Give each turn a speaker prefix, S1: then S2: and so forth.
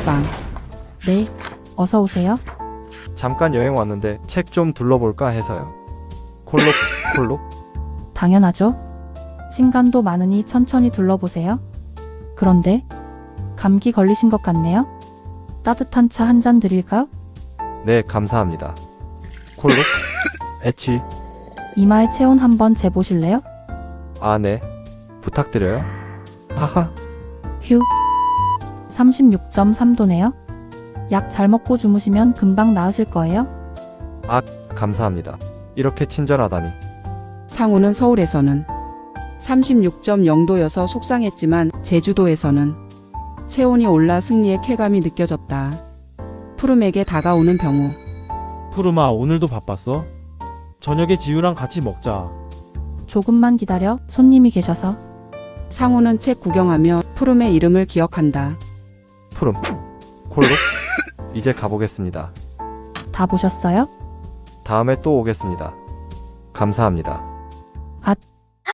S1: 단톡방.
S2: 네, 어서 오세요.
S3: 잠깐 여행 왔는데 책 좀 둘러볼까 해서요. 콜록.
S2: 당연하죠. 신간도 많으니 천천히 둘러보세요. 그런데 감기 걸리신 것 같네요. 따뜻한 차 한 잔 드릴까요?
S3: 네, 감사합니다. 콜록. 에치.
S2: 이마의 체온 한번 재보실래요?
S3: 아, 네. 부탁드려요. 하하.
S2: 휴. 36.3도네요. 약 잘 먹고 주무시면 금방 나으실 거예요.
S3: 감사합니다. 이렇게 친절하다니.
S1: 상우는 서울에서는 36.0도여서 속상했지만 제주도에서는 체온이 올라 승리의 쾌감이 느껴졌다. 푸름에게 다가오는 병우.
S4: 푸르마, 오늘도 바빴어? 저녁에 지유랑 같이 먹자.
S2: 조금만 기다려. 손님이 계셔서.
S1: 상우는 책 구경하며 푸름의 이름을 기억한다.
S3: 푸름. 콜록. 이제 가보겠습니다.
S2: 다 보셨어요?
S3: 다음에 또 오겠습니다. 감사합니다.